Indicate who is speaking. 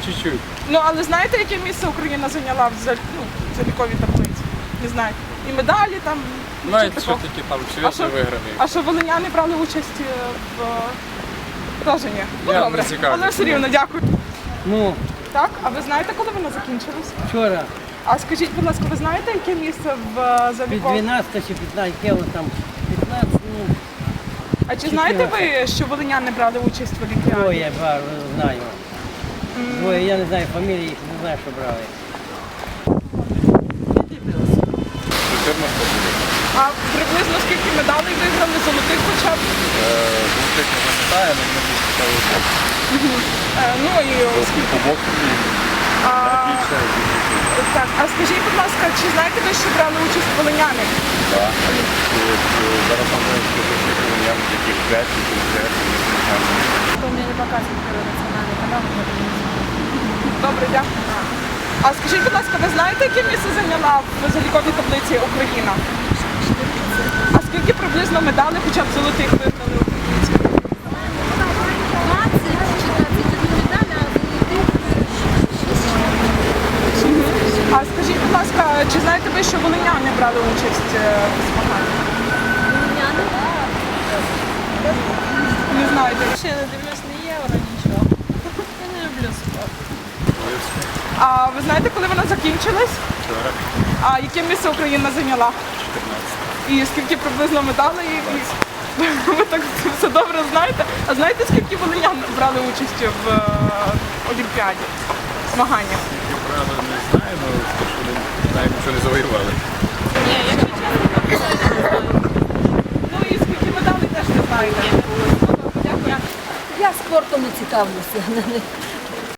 Speaker 1: чуть-чуть.
Speaker 2: Ну, але знаєте, яке місце Україна зайняла в заліковій таблиці? Не знаю. І медалі там.
Speaker 1: Навіть
Speaker 2: нічого
Speaker 1: що
Speaker 2: такого.
Speaker 1: такі там
Speaker 2: А
Speaker 1: свіжі
Speaker 2: що-
Speaker 1: виграний.
Speaker 2: А що волиняни брали участь в теж ні? Ну,
Speaker 1: Я не
Speaker 2: добре,
Speaker 1: цікавлюсь.
Speaker 2: але все рівно, дякую.
Speaker 3: Ну,
Speaker 2: Так, а ви знаєте, коли вона закінчилась?
Speaker 3: вчора
Speaker 2: А скажіть, будь ласка, ви знаєте, яке місце в
Speaker 3: від
Speaker 2: заліковій?
Speaker 3: 12 чи 15 кіло там 15, ну,
Speaker 2: А чи знаєте ви, що волиняни брали участь в Олімпіаді?
Speaker 3: двоє знаю. Двоє, я не знаю фамілії, їх не знаю, що брали.
Speaker 1: 14 років.
Speaker 2: А приблизно скільки медалей виграли, золотих хоча б?
Speaker 1: Золотих не пам'ятаю, але ми почали
Speaker 2: Ну і скільки?
Speaker 1: побок
Speaker 2: А,
Speaker 1: більше.
Speaker 2: так, а скажіть, будь ласка, чи знаєте ви, що брали участь волиняни?
Speaker 1: Так. Зараз там я таких 5 чи 5.
Speaker 4: Что мне не показывает первый национальный канал, но это не
Speaker 2: Добре, дякую. А скажіть, будь ласка, ви знаєте, яке місце зайняла в заліковій таблиці Україна? А скільки приблизно медалей, хоча б золотих виграли українці?
Speaker 4: 20 медали,
Speaker 2: А скажіть, будь ласка, чи знаєте ви, що волиняни брали участь в змаганнях? Не знаєте.
Speaker 4: Ще не дивлюсь ні євро, нічого. Я не люблю спорт.
Speaker 2: А ви знаєте, коли вона закінчилась?
Speaker 1: Вчора
Speaker 2: А яке місце Україна зайняла?
Speaker 1: 14.
Speaker 2: І скільки приблизно медалей? Ви так все добре знаєте. А знаєте, скільки волинян брали участь в Олімпіаді? В змаганнях?
Speaker 1: Я правда не знаю, але те, що вони навіть нічого не завоювали.
Speaker 4: Ні, якщо чесно,
Speaker 2: Ну і скільки медалей теж не знаєте. Дякую.
Speaker 5: Я спортом не цікавлюся.